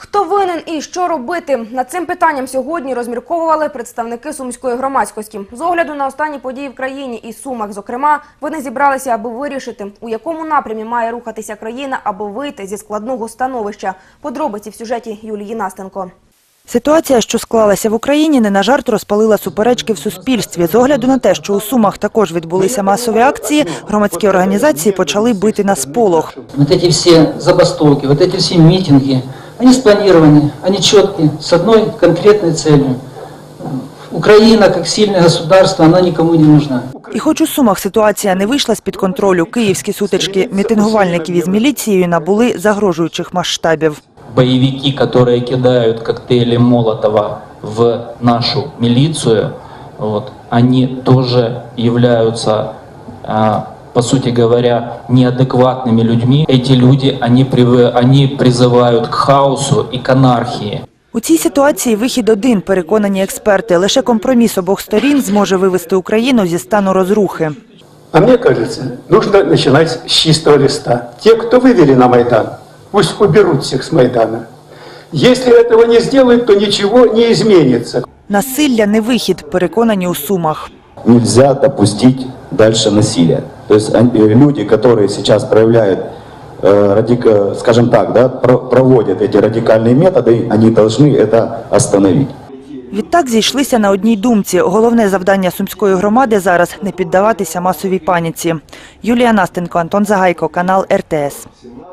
Хто винен і що робити? Над цим питанням сьогодні розмірковували представники сумської громадськості. З огляду на останні події в країні і Сумах, зокрема, вони зібралися, аби вирішити, у якому напрямі має рухатися країна, аби вийти зі складного становища. Подробиці в сюжеті Юлії Настенко. Ситуація, що склалася в Україні, не на жарт розпалила суперечки в суспільстві. З огляду на те, що у Сумах також відбулися масові акції, громадські організації почали бити на сполох. Вот эти все забастовки, вот эти все митинги, они спланированы, они четкие, с одной конкретной целью. Украина, как сильное государство, она никому не нужна. І хоч у Сумах ситуація не вийшла з-під контролю, київські сутички мітингувальників із міліцією набули загрожуючих масштабів. Боевики, которые кидают коктейли Молотова в нашу милицию, они тоже являются, по сути говоря, неадекватными людьми. Эти люди, они призывают к хаосу и к анархии. У цій ситуації вихід один, переконані експерти. Лише компроміс обох сторін зможе вивести Україну зі стану розрухи. А мне кажется, нужно начинать с чистого листа. Те, кто вывели на Майдан, пусть уберут всех с Майдана. Если этого не сделают, то ничего не изменится. Насилля не вихід, переконані у Сумах. Нельзя допустить дальше насилия. То есть люди, которые сейчас проявляют, скажем так, да, проводят эти радикальные методы, они должны это остановить. Відтак зійшлися на одній думці. Головне завдання сумської громади зараз – не піддаватися масовій паніці. Юлія Настенко, Антон Загайко, канал РТС.